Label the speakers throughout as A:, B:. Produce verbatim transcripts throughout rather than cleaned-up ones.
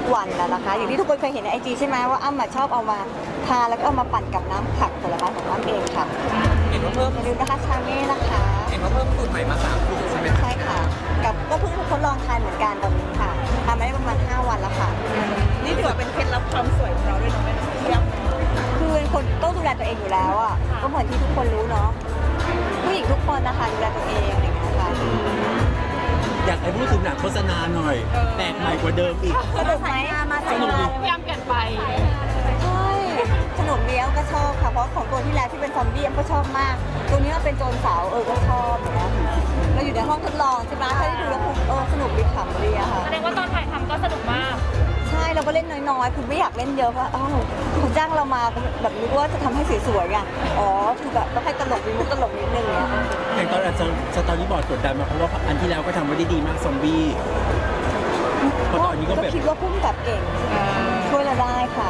A: วันนะนะคะอย่างที่ทุกคนเคยเห็นในไอจีใช่ไหมว่าอ้ำชอบเอามาทาแล้วก็เอามาปั่นกับน้ำผักผลไม้ของอ้ำเองค่ะ
B: เห็นว่าเพิ่ม
A: อย่าลืมนะคะชาเม่นะคะ
B: เห็นว่าเพิ่มสูตรใหม่มาสามสูตรใช่ไหม
A: ใช่ค่ะกับก็เพิ่งทดลองทานเหมือนกันตอนนี้ค่ะทำมาได้ประมาณห้าวันแล้วค่ะ
C: นี่ถือว่าเป็นเคล็ดลับความสวยของเราด้วยเนาะแม่เทียบ
A: คือเป็นคนต้องดูแลตัวเองอยู่แล้วอ่ะก็เหมือนที่ทุกคนรู้เนาะผู้หญิงทุกคนนะคะดูแลตัวเองอะไรอย่างเงี้ยค่ะ
D: อยากให้พูดถึงหนังโฆษณาหน่อยแปลกใหม่กว่าเดิมอีก
A: สนุกไหมมาสนุกดี
C: พยายามเปลี่ยนไป
A: ใช่สนุกดีอ้ำก็ชอบค่ะเพราะของตัวที่แล้วที่เป็นซอมบี้อ้ำก็ชอบมากตัวนี้มันเป็นโจรสาวเออก็ชอบอย่างเงี้ยเราอยู่ในห้องทดลองใช่ไหมถ้าได้ดูแล้วเออสนุกดีขำดีอะค่ะ
C: แสดงว่าตอนถ่ายทำก็สนุกมาก
A: ใช่เราก็เล่นน้อยๆคือไม่อยากเล่นเยอะเพราะอ้าวเขาจ้างเรามาแบบนึกว่าจะทำให้สวยๆไงอ๋อคือแบบต้องให้ตลกมีมุกตลกนิดนึงเนี่ย
D: อย่างตอนอาจจะสตอรี่บอร์ดกดดันมาเพราะว่าอันที่แล้วก็ทำไว้ได้ดีมากซอมบี้เพราะตอนนี้ก็
A: ก็
D: แบบ
A: คิดว่าพุ่มกับเก่งช่วยเราได้ค่ะ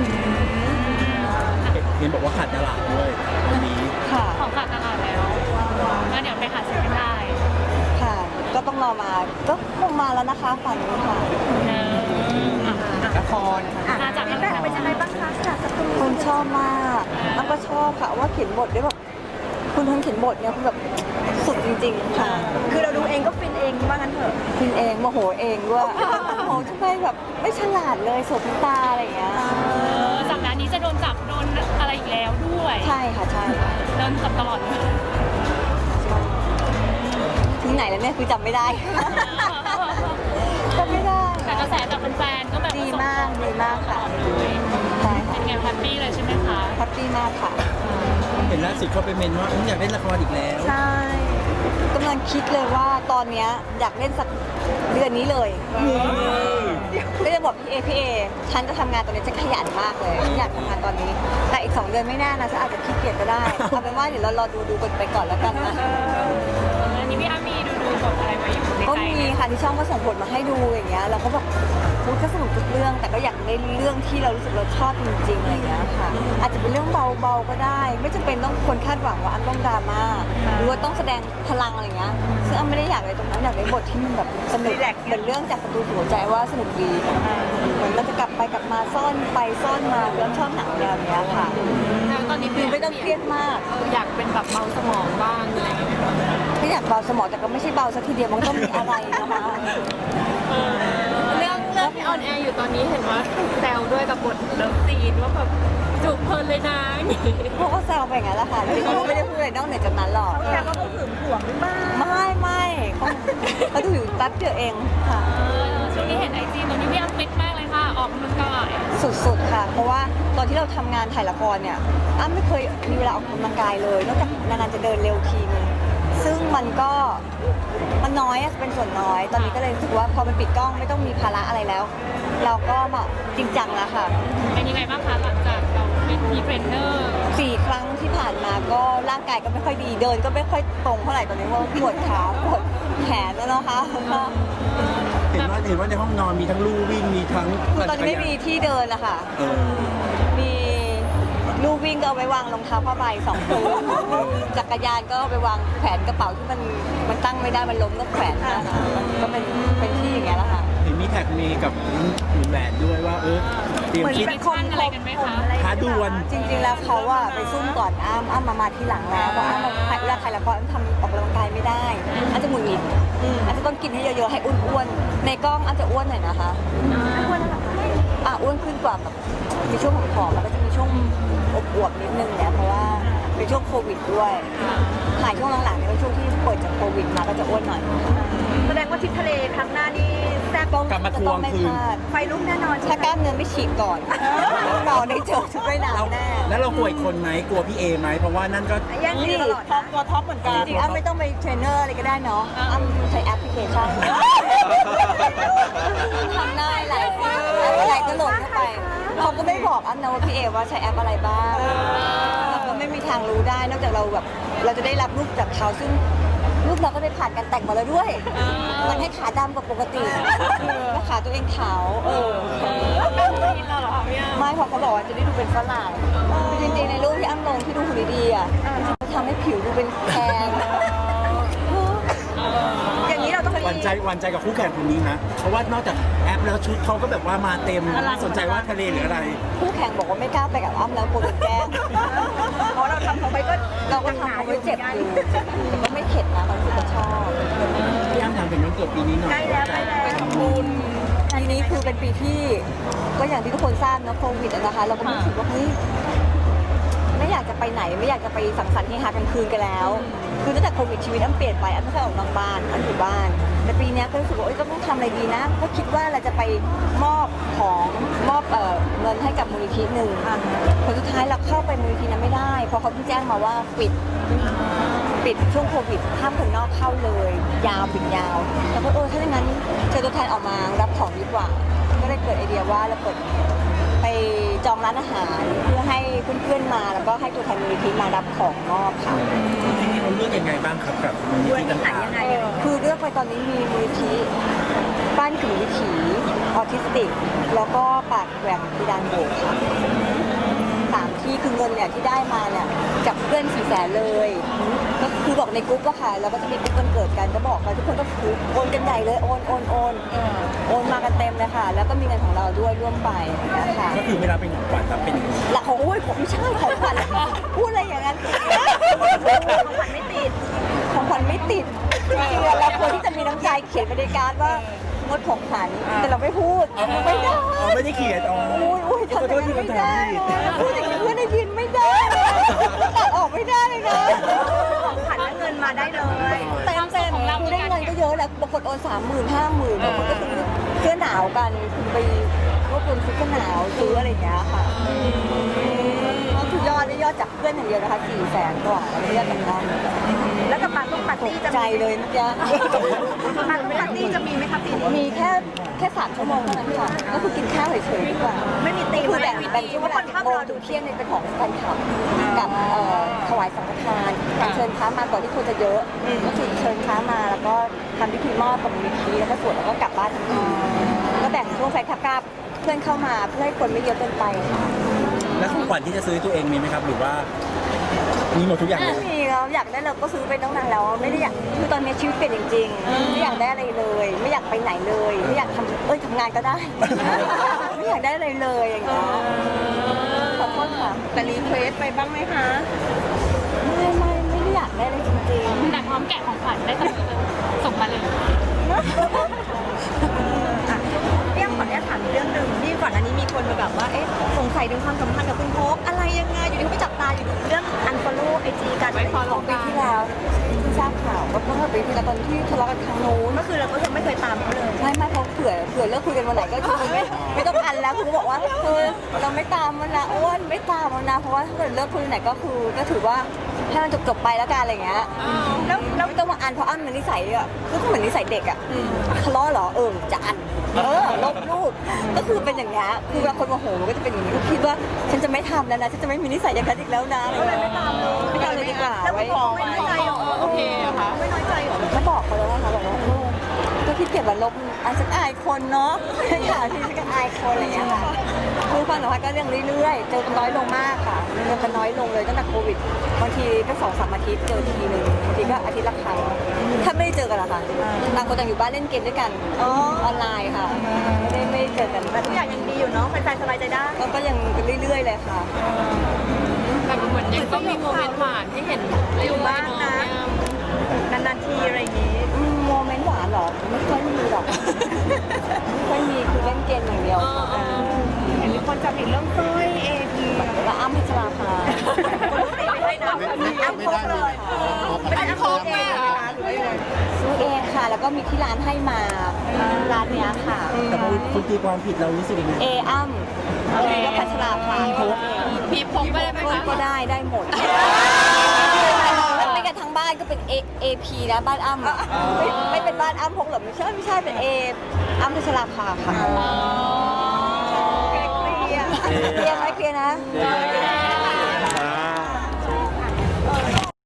D: เห็นบอกว่าขาดตลาดด้วยตอนนี้
A: ค่ะ
C: ของขาดตลาดแล้วงั้นเดี๋ยวไปหาซื้อกันได้
A: ค่ะ ก็ต้องรอมาก็คงมาแล้วนะคะฝันนี้ค่ะ
B: ละคร
C: มาจากนั้นแบบเป็นยังไงบ้างคะจากสตู
A: คนชอบมากน้ำก็ชอบค่ะว่าเขียนบทได้แบบคุณคนเขียนบทเนี่ยคือแบบสุดจริงๆค่ะ
C: คือเราดูเองก็ฟินเองว่างั้นเถอะ
A: พินเองโมโหเองด้วยโมโหทำไมแบบไม่ฉลาดเลยโสดตาอะไรอย่างเงี้ย
C: สัปดาห์นี้จะโดนจับโดนอะไรอีกแล้วด้วย
A: ใช่ค่ะใช่
C: โดนจับตลอดเลย
A: ถึงไหนแล้วเนี่ยคือจำไม่ได้ จำไม่ได้
C: แต่กระแสจากแฟนๆก็แบบ
A: ดีมากดีมากค่ะ
C: เลย
A: ใช่
C: เป็
A: ค่ะ
C: นไงแฮปปี้เลยใช่ไหมคะ
A: แฮปปี้มากค่ะ
D: เห็นล่าสุดเขาไปเมนว่าอยากเล่นละครอีกแล้ว
A: ใช่กำลังคิดเลยว่าตอนเนี้ยอยากเล่นสักเดือนนี้เลยก็จะบอกพี่เอพี่เอฉันจะทำงานตอนนี้จะขยันมากเลยอยากทำงานตอนนี้ แต่อีกสองเดือนไม่แน่นะฉันอาจจะขี้เกียจก็ได้เอาเป็นว่าเดี๋ยวเรารอดูดูกันไปก่อนแล้วกันนะ
C: อันนี้พี่อ้ามีดูดูบทอะไรไว้อยู่ใน
A: ก็
C: ใจ
A: มีค่ะที่ช่องก็ส่งบทมาให้ดูอย่างเงี้ยเราก็แบบพูดก็สนุกทุกเรื่อง แต่ก็อยากได้เรื่องที่เรารู้สึกเราชอบจริงๆอะไรอย่างเงี้ยค่ะอาจจะเป็นเรื่องเบาๆก็ได้ ไม่จำเป็นต้องคนคาดหวังว่าอันต้องดราม่าหรือว่าต้องแสดงพลังอะไรเงี้ยซึ่งอันไม่ได้อยากเลยตรงนั้นอยากได้บทที่มันแบบสนุกเหมือนเรื่องจากประตูสู่หัวใจว่าสนุกดีเหมือนเราจะกลับไปกลับมาซ่อนไปซ่อนมาเรื่องชอบหนังแนวเนี้ยค่ะ
C: ตอนนี้
A: คือไม่ต้องเครียดมาก
C: อยากเป็นแบบเบาสมองบ้างอะไรอย่างเงี้ย
A: ไม่อยากเบาสมองแต่ก็ไม่ใช่เบาสักทีเดียวมันต้องมีอะไรนะคะ
C: เรื่องเรื่องที่ออนแอร์อยู่ตอนนี้เห็นว่าถูกแซวด้วยกับบทเลิฟซีนว่าแบบจูบเพลินเลยนะอย่างงี้
A: พวกก็แซวไปอย่างนั้นแหละค่ะจริงๆเขาก็ไม่ได้พูดอะไรนอกเหนือจากนั้นหรอก
C: แต่ก็ต้องหึงหวงหรือเปล่า
A: ไม่ไม่เขาเขาดูอยู่แป๊บเดียวเองค่ะ
C: ช่วงนี้เห็นไอจีตอนนี้พี่อ้ำฟิตมากเลยค่ะ ออกกำลังกาย
A: สุดๆค่ะ เพราะว่าตอนที่เราทำงานถ่ายละครเนี่ยอ้ำไม่เคยมีเวลาออกกำลังกายเลย นอกจากนานๆจะเดินเร็วทีนึงซึ่งมันก็มันน้อยอะเป็นส่วนน้อย ตอนนี้ก็เลยรู้สึกว่าพอมันปิดกล้องไม่ต้องมีภาระอะไรแล้ว เราก็แบบจริงจังแล้วค่ะ
C: เป็นยังไงบ้างคะหลังจากเราเป็นทีเทรนเนอร์
A: สี่ครั้งที่ผ่านมาก็ร่างกายก็ไม่ค่อยดีเดินก็ไม่ค่อยตรงเท่าไหร่ตอนนี้ว่าปวดขาปวดแขนแล้วนะคะ
D: เห็นว่าเห็นว่าในห้องนอนมีทั้งลู่วิ่งมีทั้ง
A: คือตอนนี้ไม่มีที่เดินละค่ะ
D: เออ
A: มีลูกวิ่งก็เอาไว้วางรองเท้าผ้าใบสองคู่จักรยานก็เอาไปวางแขวนกระเป๋าที่มันมันตั้งไม่ได้มันล้มก็แขวนนะคะก็เป็นเป็นที่อย่างเงี้ยแหละค่ะ
D: เห็นมีแท็กเมย์กับหนุ่มแหวนด้วยว่าเออเตรียมคิด
C: มีขั้นอะไรกันไหมคะ
D: ท้าดวล
A: จริงๆแล้วเขาอะไปซุ่มก่อนอ้ำอ้ำมามาทีหลังแล้วเพราะอ้ำถ่ายเวลาถ่ายละครอ้ำทำออกกำลังกายไม่ได้อ้ำจะหงุดหงิดอ้ำจะต้องกินให้เยอะๆให้อ้วนๆในกล้องอ้ำจะอ้วนหน่อยนะคะอ้วนแล้วอ่ะอ้วนขึ้นกว่าแบบมีช่วงผอมๆแล้วก็จะมีช่วงอวบๆนิดนึงเนี่ยเพราะว่าเป็นช่วงโควิดด้วยถ่ายช่วงหลังๆเนี่ยเป็นช่วงที่เปิดจากโควิดมาก็จะอ้วนหน่อย
C: แสดงว่าทริปทะเลครั้งหน้านี่แซ่บ
A: ต้อง
D: กลับมา
A: จะ
D: ทวง
A: ต้องไม่
D: คืน
A: พลาด
C: ไฟลุกแน่นอน
A: ถ้ากล้ามเนื้อไม่ฉีกก่อนเราได้เจอชุดว่าย
D: เรา
A: น้ำแน่
D: แล้วเรากลัวอีกคนไหมกลัวพี่เอไหมเพราะว่านั่นก็
C: แย่งซีนตลอดท็อปตัวท็อปเหมือนกัน
A: จริงๆอ้ำไม่ต้องไปเทรนเนอร์อะไรก็ได้เนาะอ้ำใช้แอปพลิเคชันทำได้หลายสิ่งอะไรก็โหลดเข้าไปเขาก็ไม่บอกอ้ำนะว่าพี่เอว่าใช้แอปอะไรบ้างเราก็ไม่มีทางรู้ได้นอกจากเราแบบเราจะได้รับรูปจากเขาซึ่งรูปเราก็ได้ผ่านการแต่งมาแล้วด้วยมันให้ขาดำกว่าปกติแล้วขาตัวเองขาวเออ
C: เป็นซีนเราเหรอพี่อ้ำ
A: ไม่เพราะเขาบอกว่าจะได้ดูเป็นฝรั่งคือจริงๆในรูปที่อ้ำลงที่ดูหุ่นดีๆอ่ะมันทำให้ผิวดูเป็นแทน
C: อย่างนี้เราต้อง
D: หวั่นใจหวั่นใจกับคู่แข่งคนนี้นะเพราะว่านอกจากแอปแล้วชุดเขาก็แบบว่ามาเต็มสนใจว่าทะเลหรืออะไร
A: คู่แข่งบอกว่าไม่กล้าไปกับอ้ำแล้วกลัวโดนแกล้ง
E: เพราะเราทำเขาไปก็
A: เราก็ทำเขาไว้เจ็บอยู่แต่ก็ไม่เข็ดนะตอนที่ก็ชอบ
D: พี่อ้ำถามเป็นวันเกิดปีนี้หน่อย
E: ใกล้แล้วใกล้แล้ว
A: ไปทำบุญปีนี้คือเป็นปีที่ก็อย่างที่ทุกคนทราบนะโควิดอะนะคะ เราก็รู้สึกว่าเฮ้ยไม่อยากจะไปไหนไม่อยากจะไปสังสรรค์เฮฮากลางคืนกันแล้ว คือตั้งแต่โควิดชีวิตอ้ำเปลี่ยนไปอ้ำไม่เคยออกนอกบ้านอ้ำอยู่บ้าน แต่ปีเนี้ยก็รู้สึกว่าเอ้ยก็ต้องทำอะไรดีนะ ก็คิดว่าเราจะไปมอบของมอบเอ่อเงินให้กับมูลนิธิหนึ่งผลสุดท้ายเราเข้าไปมูลนิธินั้นไม่ได้เพราะเขาเพิ่งแจ้งมาว่าปิด ปิดช่วงโควิดห้ามคนนอกเข้าเลย ยาวปิดยาว แล้วก็เออถ้าอย่างนั้นเจอตัวแทนออกมารับของดีกว่า ก็เลยเกิดไอเดียว่าเราเปิดไปจองร้านอาหารเพื่อให้เพื่อนๆมาแล้วก็ให้ตัวแทนมูลนิธิมารับของมอบค่ะ
D: จริงๆเราเลือกยังไงบ้างครับกับมูลนิ
E: ด้วย
D: ธิ
E: ที่ไหน
D: ต่าง
E: ยังไง
A: คือเลือกไปตอนนี้มีมูลนิธิบ้านกึ่งวิถีออทิสติก แล้วก็ปากแหว่งพิดานโบกค่ะสามที่คือเงินเนี่ยที่ได้มาเนี่ยจากเพื่อนสี่แสนเลยก็คือบอกในกรุ๊ปอะค่ะแล้วก็จะมีกรุ๊ปวันเกิดกันก็บอกไปทุกคนก็คือโอนกันใหญ่เลยโอนโอนโอนโอนมากันเต็มเลยค่ะ แล้วก็มีเงินของเราด้วยร่วมไปนะคะ
D: ๆก็คือไม่รับเป็นของขวัญแต่เป็น
A: ละของอุ้ยผมไม่ใช่ของขวัญพูดอะไรอย่างนั้น
E: ของขวัญไม่ติด
A: ของขวัญไม่ติดจริงๆเราควรที่จะมีน้ำใจเขียนบริการว่างดของขวัญแต่เราไม่พูดไม่ได้
D: อ๋อไม่ได้เขียนอ๋อ
A: อุ้ยอุ้ยทำอย่างนั้นไม่ได้พูดอย่างนี้เพื่อนได้ยินไม่ได้ตัดออกไม่ได้เลยนะ
E: ของขวัญและเงินมาได้เลย
A: เต็มเต็มคือได้เงินก็เยอะแหละบางคนโอนสามหมื่นห้าหมื่นบางคนก็ซื้อเสื้อหนาวกันคุณไปรวบรวมซื้อเสื้อหนาวซื้ออะไรอย่างเงี้ยค่ะก็คือยอดได้ยอดจากเพื่อนอย่างเดียวนะคะสี่แสนกว่าแล้วเรียกกันได้
E: แล้วกับปาร์ตี้ปาร์
A: ต
E: ตี้
A: ก
E: จะ
A: ใจ
E: มี
A: เลยเมื่อกี้
E: ปาร์ตี้จะมีไหมคะปีนี้
A: มีแค่แค่สามชั่วโมงเท่านั้นค่ะก็คือกินข้าวเฉยๆดีกว่า
E: ไม่มีตีม
A: คือแบ่งแบ่งช่วงเวลา
E: คน
A: สิบ
E: ข้าม
A: โมง
E: รอ
A: ถึ
E: ดู
A: งเที่ยงเนี่ยเป็นของแฟนคลับกับเอ่อถวายสังฆทานเชิญพระมาก่อนที่คนจะเยอะก็คือเชิญพระมาแล้วก็ทำพิธีมอบกับมูลนิธิแล้วก็สวดแล้วก็กลับบ้านทันทีก็แบ่งช่วงแฟนคลับกับเพื่อนเข้ามาเพื่อให้คนไม่เยอะเกินไปค่ะ
D: แล้วของขวัญที่จะซื้อตัวเองมีไหมครับ หรือว่ามีหมดทุกอย่างเล
A: ไม่
D: ย
A: มีแล้วอยากได้เราก็ซื้อไปตั้งนานแล้วไม่ได้อยากคือตอนนี้ชีวิตเปลี่ยนจริงๆไม่อยากได้อะไรเลย ไม่อยากไปไหนเลย ไม่อยากทำเอ้ยทำงานก็ได้ ไม่อยากได้อะไรเลยอย่างเงี้ยขอโทษค่ะ
E: แต่รีเควสไปบ้างไหมคะ
A: ไม่ไม่ไม่ได้อยากได้อะไรจริง
C: แต่พร้อมแกะของขวัญได้เสมอเลยส่งมาเลย
E: เรื่องขออนุญาตถามอีกเรื่องหนึ่งที่ก่อนอันนี้มีคนมาแบบว่า เอ๊ะ สงสัยถึงความสัมพันธ์กับคุณโพกอะไรยังไง อยู่ดีก็ไปจับตาอยู่เรื่องอันฟอลโล่ไอจีกัน
C: ไม่
A: ๆ
C: follow
A: ปีที่แล้วที่ทราบข่าวก็เมื่อปีที่แล้วตอนที่ทะเลาะกันครั้งนู้น
E: ก็คือเราก็ยังไม่เคยตามเขาเลย
A: ไม่ไม่เพราะเผื่อเผื่อเลิกคุยกันวันไหนก็คือไม่ไม่ต้องอันแล้วคือบอกว่าคือเราไม่ตามมันนะอ้วนไม่ตามมันนะเพราะว่าถ้าเกิดเลิกคุยวันไหนก็คือก็ถือว่าให้มันจบจบๆไปแล้วกันอะไรอย่างเงี้ยแล้วแล้วไม่ต้องมาอันเพราะอันมันนิสัยอ่ะคือเหมือนนิสัยเด็กอ่ะทะเลาะเหรอเออจะอันเออลบรูปก็คือเป็นอย่างเงี้ยคือเวลาคนโมโหมันก็จะเป็นอย่างนี้ก็คิดว่าฉันจะไม่ทำแล้วนะฉันจะไม่มีนิสัยอย่างนั้นอีกแล้วนะก็เลยไม่ตามเลยไม่ตามเลยดีกว่า
E: แล้ว
A: ไว้
E: คุณโพกไม่น้อยใจเหรอ
C: โอเคอะค่ะ
E: ไม่น้อยใจเหรอ
A: ก็บอกเขาแล้วนะคะบอกว่าเออก็ขี้เกียจมาลบอ่ะฉันอายคนเนาะค่ะที่ฉันก็อายคนอะไรอย่างเงี้ยค่ะคือความสัมพันธ์ก็ยังเรื่อยๆเจอกันน้อยลงมากค่ะเจอกันน้อยลงเลยตั้งแต่โควิดบางทีก็สองสามอาทิตย์เจอทีนึงบางทีก็อาทิตย์ละครั้งถ้าไม่ได้เจอกันหรอคะต่างคนต่างอยู่บ้านเล่นเกมด้วยกันออนไลน์ค่ะไม่ได้ไม่ได้เจอกัน
E: แต่ทุกอย่างยังดีอยู่เนาะแฟนๆสบายใจได้
A: ก็ก็ยังเรื่อยๆเลยค่ะ
C: แต่เหมือนยังต้องมีโมเมนต์หวานที่เห็นเรื่อยๆ
E: บ้างนะ นานๆทีอะไรอย่างงี้
A: อืมโมเมนต์หวานเหรอไม่ค่อยมีหรอกไม่ค่อยมีคือเล่นเกมอย่างเดียวค่ะ
E: เห็นมีคนจับผิดเรื่องสร้อยเอพี
A: แล้วอ้ำพัชราภา
E: ไม่ได้นะอ้ำโพกเลยไม่ได้อ้ำโพกเองเหรอหรือว่ายังไง
A: ซื้อเองค่ะ แล้วก็มีที่ร้านให้มาร้านเนี้ยค่ะ
D: แต่พอคุณตีความผิดเรารู้สึกยังไง
A: เออ้ำเอก็พัชราภา
C: พีพกไปได้ไหม
A: ก็
C: คะ
A: ก็ได้ได้หมดไม่กันทั้งบ้านก็เป็น A A P นะบ้านอ้ำอะไม่ไม่เป็นบ้านอ้ำพงหรอกไม่ใช่ไม่ใช่เป็น A อ้ำพัชราภาค่ะ
E: เคลียร์
A: เคลียร์ไหมเคลียร์นะ
C: โอเค